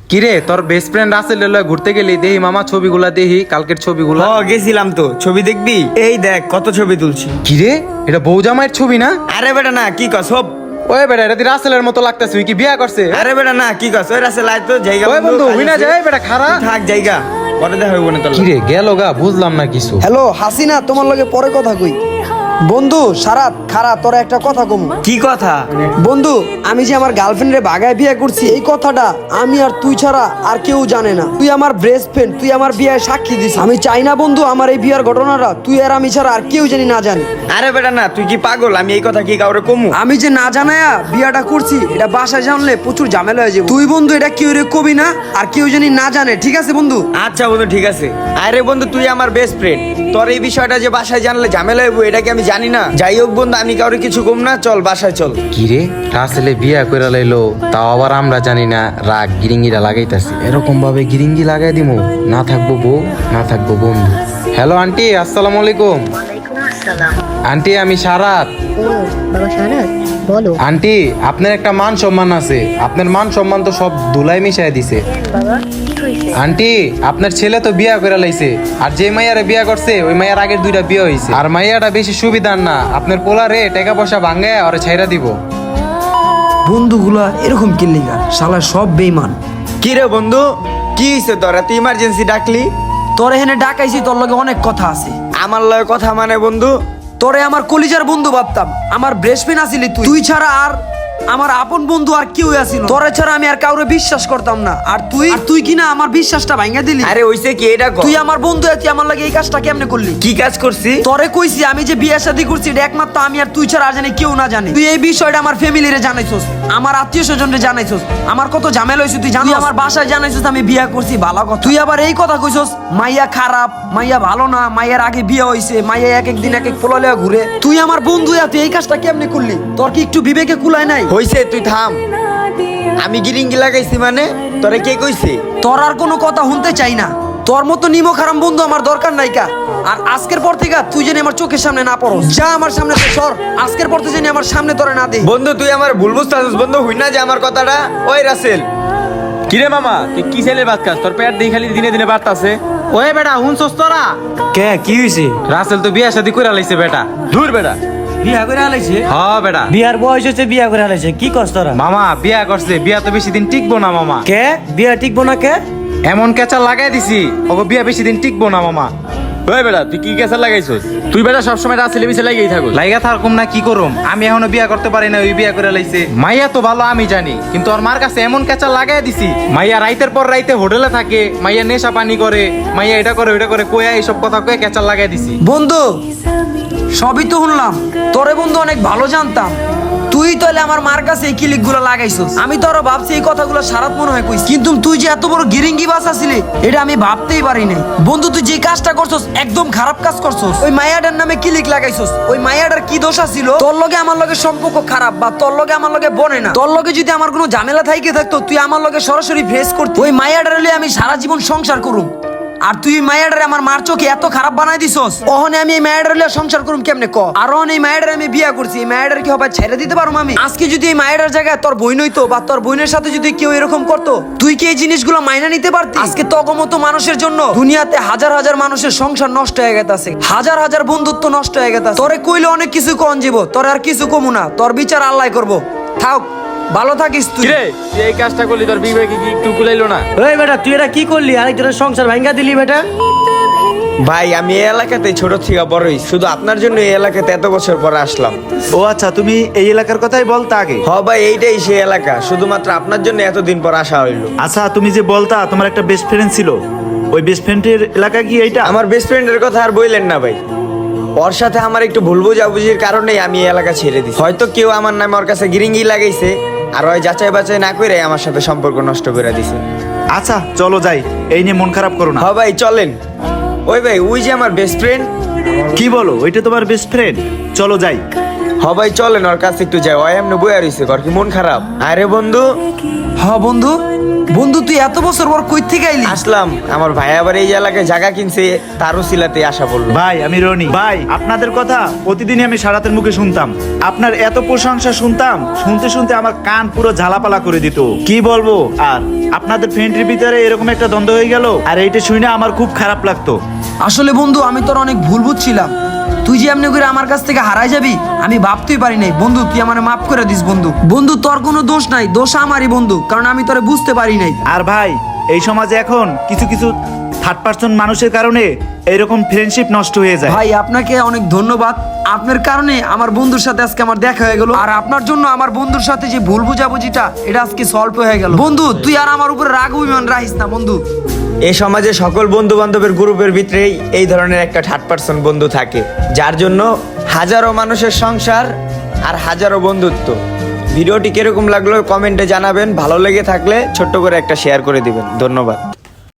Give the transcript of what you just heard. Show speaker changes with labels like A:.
A: কিরে তোর best friend Rasel লয় ঘুরতে গেলি দেহি মামা ছবিগুলা দেহি কালকের ছবিগুলা।
B: গেছিলাম তো, ছবি দেখবি? এই দেখ কত ছবি তুলছি।
A: কিরে এটা বৌজামাইয়ের ছবি না?
B: আরে বেটা না, কি কস?
A: ওই বেটা এটা তুই রাসেলের মতো লাগতেছে, তুই কি বিয়া করছে?
B: আরে বেটা না, কি কস? ওই রাসেল আয় তো, জায়গা
A: ওই বন্ধু হই না যায় বেটা খারা
B: থাক, জায়গা পরে দেখা হইব না তোর।
A: কিরে গেল গা বুঝলাম না কিছু।
C: হ্যালো হাসিনা, তোমার লগে পরে কথা কই। বন্ধু সারাত খারা, তোরা একটা কথা কম।
B: কি কথা?
C: বন্ধু আমি যে আমার গার্লফ্রেন্ডে বাগায় বিয়ে করছি, এই কথাটা আমি আর তুই ছাড়া আর কেউ জানে না। তুই আমার বেস্ট ফ্রেন্ড, তুই আমার বিয়ে সাক্ষী দিস। আমি চাই না বন্ধু আমার এই বিয়ার ঘটনাটা তুই আর আমি ছাড়া আর কেউ জানি না জানি।
B: আরে বেটা না, তুই কি পাগল? আমি এই কথা কি কাউরে কমু?
C: আমি যে না জানায়া বিয়াটা করছি, এটা বাসায় জানলে প্রচুর ঝামেলা হয়ে যাবে। তুই বন্ধু এটা কেউ রে কবি না, আর কেউ জানি না জানে, ঠিক আছে বন্ধু?
B: আচ্ছা বন্ধু ঠিক আছে। আরে বন্ধু তুই আমার বেস্ট ফ্রেন্ড, তোর এই বিষয়টা যে বাসায় জানলে ঝামেলা হইব এটা কি আমি জানি না? যাই হোক বন্ধু, আমি কাউরে কিছু কম না, চল বাসায় চল।
A: কিরে রাসেলে বিয়া কইরা লাইলো, তাও আবার আমরা জানি না, রাগ গিরিঙ্গিরা লাগাইতাছি। এরকম ভাবে গিরিঙ্গি লাগাই দিমু, না থাকবো বউ না থাকবো বন্ধু। হ্যালো আন্টি, আসসালামু আলাইকুম।
D: ওয়ালাইকুম আসসালাম।
A: আন্টি আমি সারাত।
D: ও বাবা শারাত, বলো।
A: আন্টি আপনার একটা মান সম্মান আছে, আপনার মান সম্মান তো সব ধুলাই মিশাই দিছে।
D: বাবা কি হইছে?
A: আন্টি আপনার ছেলে তো বিয়া করে লাইছে, আর যে মাইয়ারে বিয়া করছে ওই মাইয়ার আগের দুইটা বিয়ে হইছে, আর মাইয়াটা বেশি সুবিধার না, আপনার পোলারে টাকা পয়সা ভাঙ্গায় ওরে ছাইরা দিব।
C: বন্ধুগুলা এরকম কিল্লিগা, শালা সব বেইমান।
B: কি রে বন্ধু, কি হইছে তোরা? তুই ইমার্জেন্সি ডাকলি?
C: তোর এখানে ডাকাইছি, তোর লগে অনেক কথা আছে।
B: আমার লয় কথা মানে বন্ধু?
C: তোরে আমার কলিজার বন্ধু ভাবতাম, আমার বেস্ট ফ্রেন্ড আছিলি তুই। তুই ছাড়া আর আমার আপন বন্ধু আর কেউ আসিল। তোরে ছাড়া আমি আর কাউরে বিশ্বাস করতাম না, আর তুই কিনা আমার বিশ্বাসটা ভাঙা দিলি।
B: আরে হইছে কি এটা কর।
C: তুই আমার বন্ধু, তুই আমার লাগে এই কাজটা কেমনে করলি?
B: কি কাজ করছি?
C: তোরে কইছি আমি যে বিয়ে শাদী করছি এটা একমাত্র আমি আর তুই ছাড়া আর জানি কেউ না জানে। তুই এই বিষয়টা আমার ফ্যামিলিরে জানাইছস, আমার আত্মীয় স্বজনরে জানাইছস, আমার কত ঝামেলা হইছে তুই জানিস। আমার বাসায় জানাইছস আমি বিয়ে করছি, ভালো কথা। তুই আবার এই কথা কইছস মাইয়া খারাপ, মাইয়া ভালো না, মাইয়ার আগে বিয়ে হইছে, মাইয়া এক এক দিন এক এক পোলা লইয়া ঘুরে। তুই আমার বন্ধু, তুই এই কাজটা কেমনে করলি? তোর কি একটু বিবেকে কুলায় নাই?
B: হইছে তুই থাম। আমি গিরিঙ্গি লাগাইছি মানে? তোরে কে কইছে?
C: তোর আর কোনো কথা শুনতে চাই না। তোর মতো নিমো খারাপ বন্ধু আমার দরকার নাই কা। আর আজকের পর থেকে তুই জানি আমার চোখের সামনে না পড়ো, যা আমার সামনে থেকে সর। আজকের পর থেকে জানি আমার সামনে তোরে না দে।
B: বন্ধু তুই আমার ভুল বুঝতাছিস বন্ধু, হই না যে আমার কথাটা। ওই রাসেল,
E: কিরে মামা তুই কি ছেলের বাদ খাস? তোর পেট দিয়ে খালি দিনে দিনে বাড়তাছে।
A: ওই বেটা হুনছস তোরা?
B: কে কি হইছে?
A: রাসেল তো বিয়া শাদী কইরা লাইছে বেটা।
E: দূর বেটা,
F: বিয়া করে আলাইছে?
A: হ্যাঁ বেটা,
F: বিয়ার বয়স হচ্ছে, বিয়া করে আলাইছে। কি কস তোরা?
A: মামা বিয়া করছে, বিয়া তো বেশি দিন টিকবো না মামা।
F: কে বিয়া টিকবো না কে?
A: এমন কেঁচা লাগাই দিছি ওকে বিয়া বেশি দিন টিকবো না মামা।
E: ওই বেটা তুই কি কেসার লাগাইছস? তুই বেটা সবসময় রাসেলে বিছে লাগিয়েই থাকো।
A: লাইগা থাকুম না কি করুম, আমি এখনো বিয়া করতে পারি না, ওই বিয়া করে লাইছে। মাইয়া তো ভালো আমি জানি, কিন্তু ওর মার কাছে এমন কেঁচা লাগাই দিছি, মাইয়া রাইতের পর রাইতে হোটেলে থাকে, মাইয়া নেশা পানি করে, মাইয়া এটা করে ওইটা করে কইয়া এইসব কথা কয়ে কেঁচা লাগাই দিছি।
C: বন্ধু সবই তো শুনলাম, তোরে বন্ধু অনেক ভালো জানতাম। তুই তাহলে আমার মার কাছে এই ক্লিক গুলো লাগাইছস। আমি তো আরো ভাবছি এই কথাগুলো সারাত মনে হয় কইস, কিন্তু তুই যে এত বড় গিরিঙ্গি বাস আছিলি এটা আমি ভাবতেই পারি নাই। বন্ধু তুই যে কাজটা করছস একদম খারাপ কাজ করছস। ওই মায়াডার নামে ক্লিক লাগাইছস, ওই মায়াডার কি দোষ ছিল? তোর লগে আমার লগে সম্পর্ক খারাপ, বা তোর লগে আমার লগে বনে না। তোর লগে যদি আমার কোনো ঝামেলা থাইকে থাকতো তুই আমার লগে সরাসরি ফেস করতি। ওই মায়াডার লইয়া আমি সারা জীবন সংসার করুম, আর তুই মায়াডারে আমার মার চোখে এত খারাপ বানাই দিছস। ওহনে আমি এই মায়াডারে লইয়া সংসার করুম কেমনে ক? আর ওহনে এই মায়াডারে আমি বিয়া করছি, এই মায়াডার কি হবে ছেড়ে দিতে পারুম আমি? আজকে যদি এই মায়াডার জায়গায় তোর বোন হইতো, বা তোর বোনের সাথে যদি কেউ এরকম করতো, তুই কি এই জিনিসগুলো মাইনা নিতে পারতি? আজকে তগমতো মানুষের জন্য দুনিয়াতে হাজার হাজার মানুষের সংসার নষ্ট হয়ে গেছে, হাজার হাজার বন্ধুত্ব নষ্ট হয়ে গেছে। তোরে কইলে অনেক কিছু কন জীব, তোর আর কিছু কমু না, তোর বিচার আল্লাহ করবো। থাক, ভালো থাকিস তুই।
E: কিরে তুই এই কাজটা করলি, তোর বিবেকে কি একটু কুলাইলো না?
F: ওই বেটা তুই এটা কি করলি? আরেকজনের সংসার ভাঙ্গা দিলি বেটা।
B: ভাই আমি এই এলাকাতে ছোট থেকে বড়ই, শুধু আপনার জন্য এই এলাকাতে এত বছর পরে আসলাম।
G: ও আচ্ছা, তুমি এই এলাকার কথাই বলতা আগে?
B: হ ভাই এইটাই সেই এলাকা, শুধুমাত্র আপনার জন্য এতদিন পর আসা হইলো।
G: আচ্ছা, তুমি যে বলতা তোমার একটা বেস্ট ফ্রেন্ড ছিল, ওই বেস্ট ফ্রেন্ডের এলাকা কি এইটা?
B: আমার বেস্ট ফ্রেন্ডের কথা আর বললেন না ভাই, ওর সাথে আমার একটু ভুল বুঝাবুঝির কারণেই আমি এই এলাকা ছেড়ে দিই। হয়তো কেউ আমার নামে ওর কাছে গিরিঙ্গি লাগাইছে, আর ওই যাচাই বাছাই না করে আমার সাথে সম্পর্ক নষ্ট করে দিছে।
G: আচ্ছা চলো যাই, এই নিয়ে মন খারাপ করো না।
B: হ ভাই চলেন। ওই ভাই ওই যে আমার বেস্ট ফ্রেন্ড।
G: কি বলো, ওইটা তোমার বেস্ট ফ্রেন্ড? চলো যাই।
B: হ ভাই চলেন ওর কাছে একটু যাই, ওই এমনি বইয়া রইছে, ওর কি মন খারাপ? আরে বন্ধু,
C: হ্যাঁ বন্ধু, বন্ধু তুই এত বছর পর কই থেকে আইলি?
B: আসলাম। আমার ভাই আবার এই এলাকায় জায়গা কিনছে, তারও সিলাতে আসা বললো।
G: ভাই আমি রনি। ভাই আপনাদের কথা প্রতিদিনই আমি সারাতের মুখে শুনতাম, আপনার এত প্রশংসা শুনতাম, শুনতে শুনতে আমার কান পুরো ঝালাপালা করে দিত। কি বলবো আর, আপনাদের ফ্রেন্ডের ভিতরে এরকম একটা দ্বন্দ্ব হয়ে গেল, আর এইটা শুনে আমার খুব খারাপ লাগতো।
C: আসলে বন্ধু আমি তোর অনেক ভুল বুঝছিলাম, তুই যে এমনি করে আমার কাছ থেকে হারাই যাবি আমি ভাবতেই পারি নাই। বন্ধু তুই আমারে মাফ করে দিস বন্ধু। বন্ধু তোর কোনো দোষ নাই, দোষ আমারই বন্ধু, কারণ আমি তোরে বুঝতে পারি নাই।
G: আর ভাই এই সমাজে এখন কিছু কিছু থার্ড পার্সন মানুষের কারণে এরকম ফ্রেন্ডশিপ নষ্ট হয়ে যায়।
C: ভাই আপনাকে অনেক ধন্যবাদ, আপনার কারণে আমার বন্ধুর সাথে আজকে আমার দেখা হয়ে গেল, আর আপনার জন্য আমার বন্ধুর সাথে যে ভুল বুঝাবুঝিটা এটা আজকে সলভ হয়ে গেল। বন্ধু তুই আর আমার উপরে রাগ অভিমান রাখিস না বন্ধু।
B: এই সমাজে সকল বন্ধু বান্ধবের গ্রুপের ভিতরেই এই ধরনের একটা থার্ড পার্সন বন্ধু থাকে, যার জন্য হাজারো মানুষের সংসার আর হাজারো বন্ধুত্ব। ভিডিওটি কিরকম লাগলো কমেন্টে জানাবেন, ভালো লেগে থাকলে ছোট্ট করে একটা শেয়ার করে দিবেন। ধন্যবাদ।